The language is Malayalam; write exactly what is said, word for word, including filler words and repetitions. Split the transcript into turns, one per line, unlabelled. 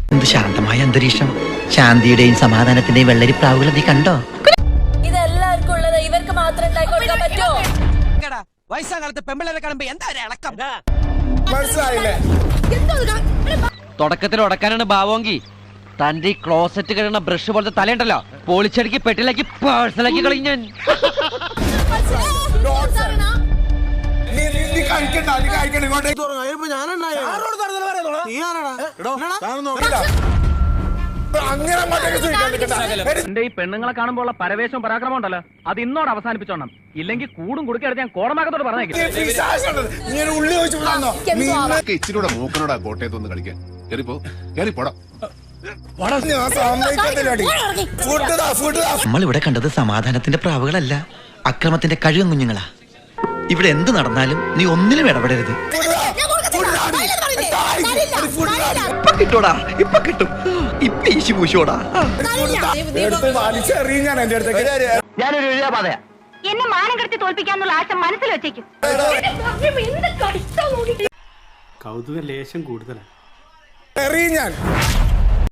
എന്ത് ശാന്തമായ അന്തരീക്ഷം, ശാന്തിയുടെയും സമാധാനത്തിന്റെയും വെള്ളരിപ്രാവുകൾ നീ കണ്ടോ?
ഇതെല്ലാവർക്കും ഉള്ളത് ഇവർക്ക് മാത്രം ഉണ്ടാക്കി കൊടുക്കാൻ പറ്റുമോ?
വയസ്സാകാലത്ത് പെമ്പിളരെ കാണുമ്പോ എന്താ ഇളക്കം?
തുടക്കത്തിൽ ഉടക്കാനാണ് ഭാവോങ്കി തന്റെ ഈ ക്ലോസറ്റ് കഴിയുന്ന ബ്രഷ് പോലത്തെ തലയുണ്ടല്ലോ പോളിച്ചടിക്ക് പെട്ടിലാക്കി പേഴ്സണലാക്കി കളിഞ്ഞാൻ.
എന്റെ ഈ പെണ്ണുങ്ങളെ കാണുമ്പോൾ ഉള്ള പരവേശവും പരാക്രമം ഉണ്ടല്ലോ അത് ഇന്നോട് അവസാനിപ്പിച്ചോണം, ഇല്ലെങ്കിൽ കൂടും കുടുക്കെടുത്ത് ഞാൻ കോടമാകത്തോട് പറഞ്ഞേക്കും.
ഇച്ചിരൂടെ മൂക്കനോടാ കോട്ടയത്തൊന്ന് കളിക്കാൻ കേറിപ്പോ കേറിപ്പോടാ.
നമ്മൾ ഇവിടെ കണ്ടത് സമാധാനത്തിന്റെ പ്രാവുകളല്ല, അക്രമത്തിന്റെ കഴിവും കുഞ്ഞുങ്ങളാ. ഇവിടെ എന്ത് നടന്നാലും നീ ഒന്നിലും ഇടപെടരുത്. ഇപ്പൊ കിട്ടോടാ, ഇപ്പൊ കിട്ടും, ഇപ്പൊ ഈശി പൂശോടാ.
ഞാനൊരു എഴുതാപാതയാ.
എന്നെ മാനം കെടുത്തി തോൽപ്പിക്കാന്നുള്ള ആശ മനസ്സിൽ വെച്ചേക്കും.
കൗതുക ലേശം കൂടുതലാണ്.
ഞാൻ